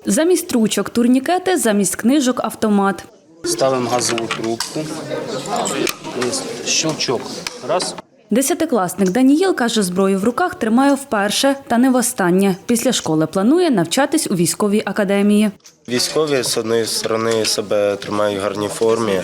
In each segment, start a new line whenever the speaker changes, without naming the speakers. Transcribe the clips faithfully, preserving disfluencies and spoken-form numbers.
Замість ручок – турнікети, замість книжок – автомат.
Ставимо газову трубку. Щелчок. Раз.
Десятикласник Даніїл каже, зброю в руках тримає вперше та не востаннє. Після школи планує навчатись у військовій академії.
Військові, з однієї сторони, себе тримають в гарній формі.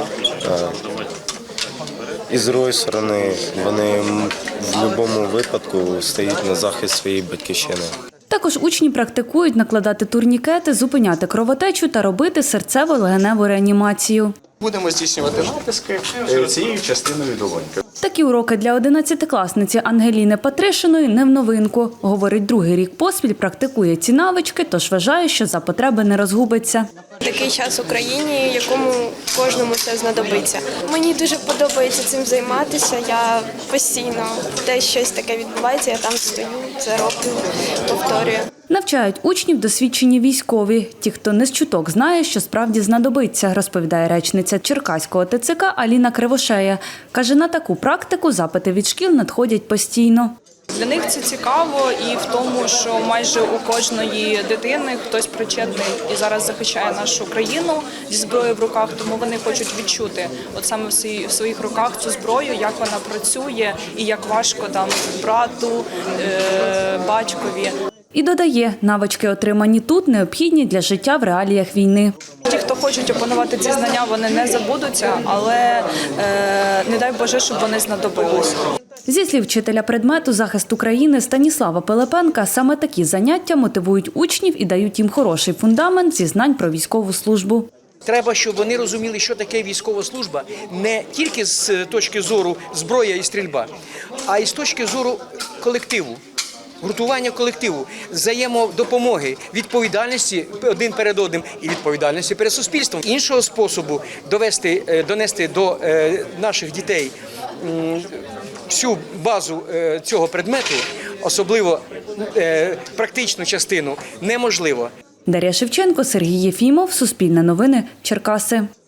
І з іншої сторони, вони в будь-якому випадку стають на захист своєї батьківщини.
Також учні практикують накладати турнікети, зупиняти кровотечу та робити серцево-легеневу реанімацію.
Будемо здійснювати натиски цією частиною долоньки.
Такі уроки для одинадцятикласниці Ангеліни Патришиної не в новинку. Говорить, другий рік поспіль практикує ці навички, тож вважає, що за потреби не розгубиться.
Такий час в Україні, якому кожному це знадобиться. Мені дуже подобається цим займатися. Я постійно, де щось таке відбувається, я там стою, це роблю, повторюю.
Навчають учнів досвідчені військові. Ті, хто не з чуток знає, що справді знадобиться, розповідає речниця Черкаського Те Це Ка Аліна Кривошея. Каже, на таку практику запити від шкіл надходять постійно.
Для них це цікаво і в тому, що майже у кожної дитини хтось причетний і зараз захищає нашу країну зі зброєю в руках, тому вони хочуть відчути от саме в своїх руках цю зброю, як вона працює і як важко там брату, батькові.
І додає, навички, отримані тут, необхідні для життя в реаліях війни.
Ті, хто хочуть опанувати ці знання, вони не забудуться, але е, не дай Боже, щоб вони знадобилися.
Зі слів вчителя предмету «Захист України» Станіслава Пилипенка, саме такі заняття мотивують учнів і дають їм хороший фундамент зі знань про військову службу.
Треба, щоб вони розуміли, що таке військова служба не тільки з точки зору зброя і стрільба, а й з точки зору колективу. Гуртування колективу, взаємодопомоги, відповідальності один перед одним і відповідальності перед суспільством. Іншого способу довести, донести до наших дітей всю базу цього предмету, особливо практичну частину, неможливо.
Дар'я Шевченко, Сергій Єфімов, Суспільне новини, Черкаси.